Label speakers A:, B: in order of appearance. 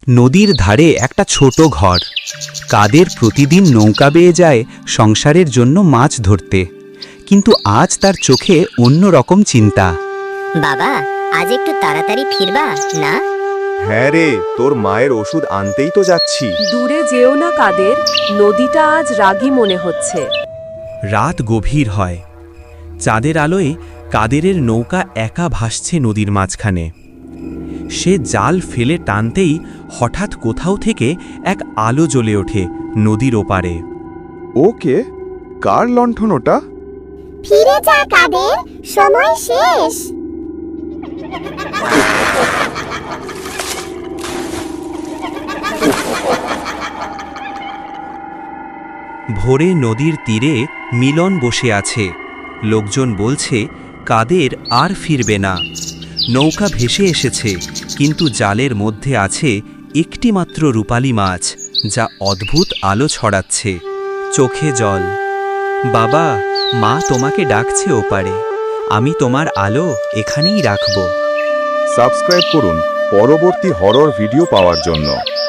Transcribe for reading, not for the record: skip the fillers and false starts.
A: নদীর ধারে একটা ছোট ঘর। কাদের প্রতিদিন নৌকা বেয়ে যায় সংসারের জন্য মাছ ধরতে, কিন্তু আজ তার চোখে অন্য রকম চিন্তা।
B: বাবা, আজ একটু তাড়াতাড়ি ফিরবা না?
C: হ্যাঁ রে, তোর মায়ের ওষুধ আনতেই তো যাচ্ছি।
D: দূরে যেও না কাদের, নদীটা আজ রাগী মনে হচ্ছে।
A: রাত গভীর হয়। চাঁদের আলোয় কাদেরের নৌকা একা ভাসছে নদীর মাঝখানে। সে জাল ফেলে টানতেই হঠাৎ কোথাও থেকে এক আলো জ্বলে ওঠে নদীর ওপারে।
C: ওকে, কার লণ্ঠন ওটা?
B: ফিরে যা কাদের, সময় শেষ।
A: ভোরে নদীর তীরে মিলন বসে আছে। লোকজন বলছে কাদের আর ফিরবে না। নৌকা ভেসে এসেছে, কিন্তু জালের মধ্যে আছে একটি মাত্র রূপালী মাছ, যা অদ্ভুত আলো ছড়াচ্ছে। চোখে জল। বাবা, মা তোমাকে ডাকছে ওপারে। আমি তোমার আলো এখানেই রাখব।
C: সাবস্ক্রাইব করুন পরবর্তী হরর ভিডিও পাওয়ার জন্য।